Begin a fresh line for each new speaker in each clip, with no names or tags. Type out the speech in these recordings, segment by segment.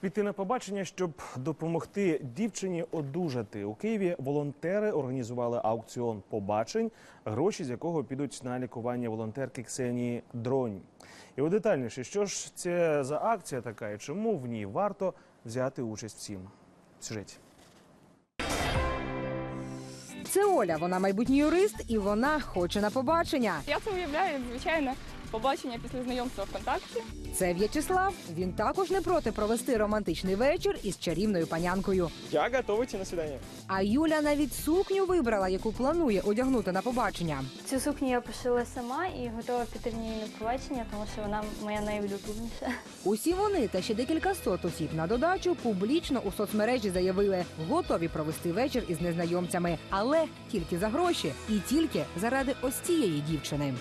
Піти на побачення, щоб допомогти дівчині одужати. У Києві волонтери організували аукціон побачень, гроші з якого підуть на лікування волонтерки Ксенії Дронь. І детальніше, що ж це за акція така і чому в ній варто взяти участь всім? В сюжеті.
Це Оля, вона майбутній юрист і вона хоче на побачення.
Я це уявляю, як звичайне побачення після знайомства ВКонтакті.
Це В'ячеслав, він також не проти провести романтичний вечір із чарівною панянкою.
Я готовий йти на свидання.
А Юля навіть сукню вибрала, яку планує одягнути на побачення.
Цю сукню я пошила сама і готова піти в ній на побачення, тому що вона моя найулюбленіша.
Усі вони та ще декілька сот осіб на додачу публічно у соцмережі заявили, готові провести вечір із незнайомцями, але тільки за гроші і тільки заради ось цієї дівчини.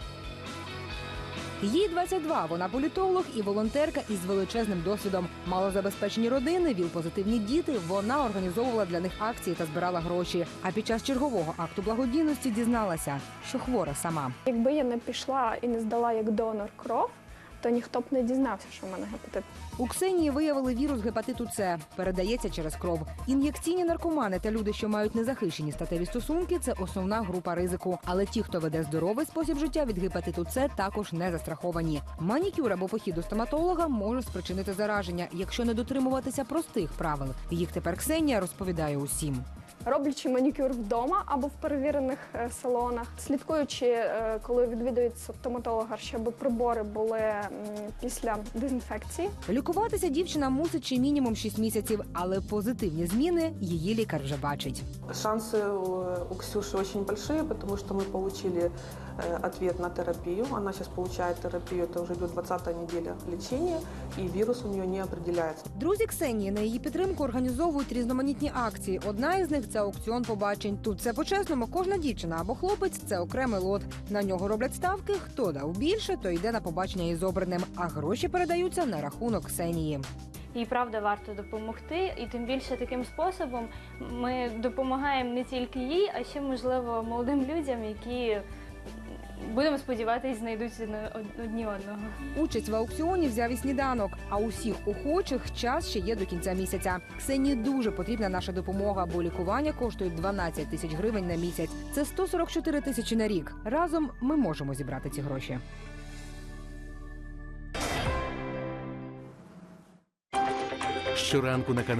Їй 22, вона політолог і волонтерка із величезним досвідом. Малозабезпечені родини, ВІЛ-позитивні діти, вона організовувала для них акції та збирала гроші. А під час чергового акту благодійності дізналася, що хвора сама.
Якби я не пішла і не здала як донор кров, то ніхто б не дізнався, що в мене гепатит.
У Ксенії виявили вірус гепатиту С. Передається через кров. Ін'єкційні наркомани та люди, що мають незахищені статеві стосунки – це основна група ризику. Але ті, хто веде здоровий спосіб життя від гепатиту С, також не застраховані. Манікюр або похід до стоматолога може спричинити зараження, якщо не дотримуватися простих правил. Їх тепер Ксенія розповідає усім.
Роблячи манікюр вдома або в перевірених салонах, слідкуючи, коли відвідують стоматолога, щоб прибори були після дезінфекції.
Лікуватися дівчина мусить ще мінімум 6 місяців, але позитивні зміни її лікар вже бачить.
Шансы у Ксюши очень большие, потому что мы получили ответ на терапию. Она сейчас получает терапию, это уже идет 20-я неделя лечения, и вирус у нее не определяется.
Друзі Ксенії на її підтримку організовують різноманітні акції. Одна із них – це аукціон побачень. Тут все по-чесному, кожна дівчина або хлопець – це окремий лот. На нього роблять ставки, хто дав більше, то йде на побачення із обраним, а гроші передаються на рахунок Ксенії.
І правда варто допомогти, і тим більше таким способом ми допомагаємо не тільки їй, а ще, можливо, молодим людям, які, будемо сподіватися, знайдуть одні одного.
Участь в аукціоні взяв і сніданок, а усіх охочих час ще є до кінця місяця. Ксенії дуже потрібна наша допомога, бо лікування коштує 12 тисяч гривень на місяць. Це 144 тисячі на рік. Разом ми можемо зібрати ці гроші.
Щоранку на каналі